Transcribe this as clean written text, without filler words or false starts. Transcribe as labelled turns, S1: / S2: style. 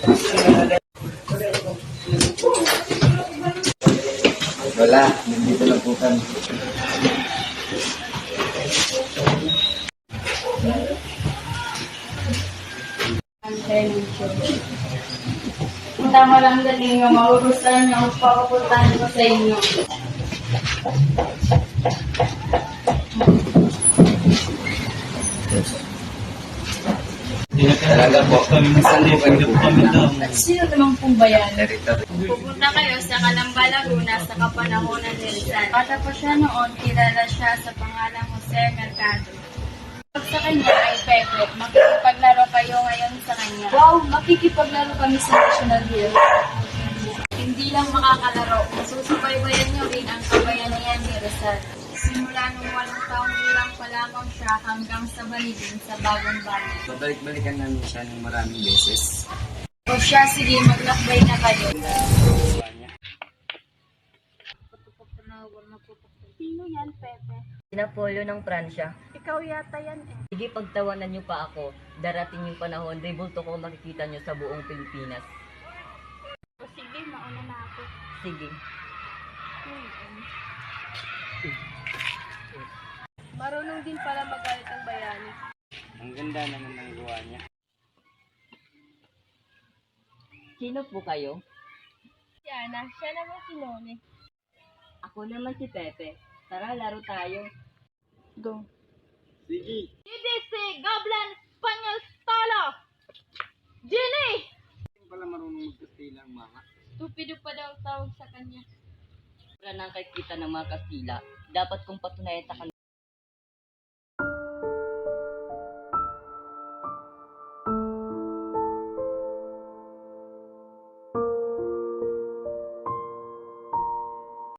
S1: Wala, nandito lang po kami.
S2: Tama lang galing nga, magugustuhan niyo ang papapuntahan ko sa inyo.
S1: Talaga po. Saan po kayo pupunta?
S2: At sino naman pong bayan?
S1: Territory.
S2: Pupunta kayo sa Calamba, Laguna sa kapanahonan ni Rizal. Patapos siya noon, kilala siya sa pangalang Jose Mercado. Pag sa kanya ay Pepe, makikipaglaro kayo ngayon sa kanya. Wow, makikipaglaro kami sa National Hill. Hindi lang makakalaro, masusubaybayan niyo rin ang kabayanihan ni Rizal. Simula nung 8 taong gulang pa lamang siya hanggang sa baligin sa bagong bayan.
S1: Babalik-balikan namin siya ng maraming beses.
S2: O siya, sige, maglakbay na kayo. Sino yan, Pepe?
S3: Napolyo ng Pransya.
S2: Ikaw yata yan eh.
S3: Sige, pagtawanan niyo pa ako. Darating yung panahon, rebulto ko makikita niyo sa buong Pilipinas.
S2: O sige, mauna na ako.
S3: Sige.
S2: Marunong din pala magalit ang bayani.
S1: Ang ganda naman ng gawa niya.
S3: Sino po kayo?
S2: Si Ana, siya naman si Noni.
S3: Ako naman si Pepe. Tara, laro tayo.
S2: Go.
S1: Sige.
S2: DDC, Goblan, Spanyol, Stolo! Ginny!
S1: Hindi pala marunong magkastila ang mga.
S2: Stupido pa daw tawag sa kanya.
S3: Para nang kay kita ng mga Kastila, dapat kong patunayan sa kanila